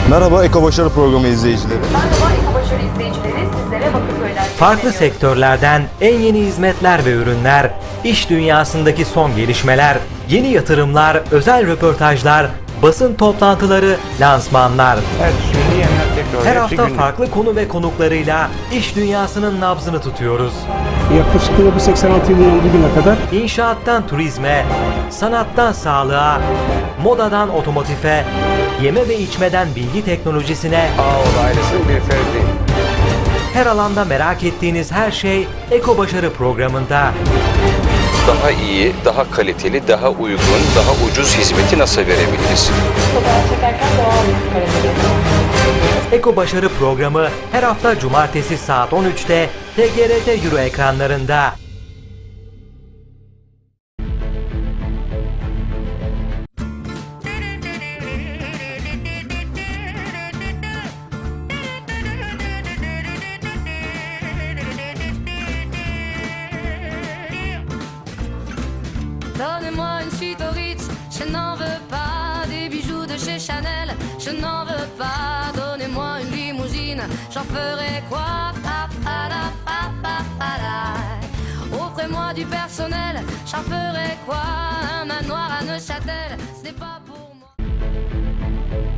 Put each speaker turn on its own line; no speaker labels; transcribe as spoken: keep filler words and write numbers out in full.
Merhaba Eko Başarı Programı izleyicileri.
Merhaba Eko Başarı izleyicileri, sizlere Bakırköy'den
Farklı sektörlerden en yeni hizmetler ve ürünler, iş dünyasındaki son gelişmeler, yeni yatırımlar, özel röportajlar, basın toplantıları, lansmanlar. Her hafta farklı konu ve konuklarıyla iş dünyasının nabzını tutuyoruz.
Yaklaşık bin dokuz yüz seksen altı yılından bugüne kadar
İnşaattan turizme, sanattan sağlığa, modadan otomotife, yeme ve içmeden bilgi teknolojisine,
Ağoğlu ailesinin bir ferdi.
her alanda merak ettiğiniz her şey Eko Başarı programında.
Daha iyi, daha kaliteli, daha uygun, daha ucuz hizmeti nasıl verebiliriz?
fotoğraf çekerken doğal bir karakter.
Eko Başarı programı her hafta cumartesi saat on üçte T G R T Euro ekranlarında.
Donnez-moi une suite au Ritz, je n'en veux pas. Des bijoux de chez Chanel, je n'en veux pas. Donnez-moi une limousine, j'en ferai quoi? Pa, pa, da, pa, pa, pa, da. Offrez-moi du personnel, j'en ferai quoi? Un manoir à Neuchâtel, ce n'est pas pour moi.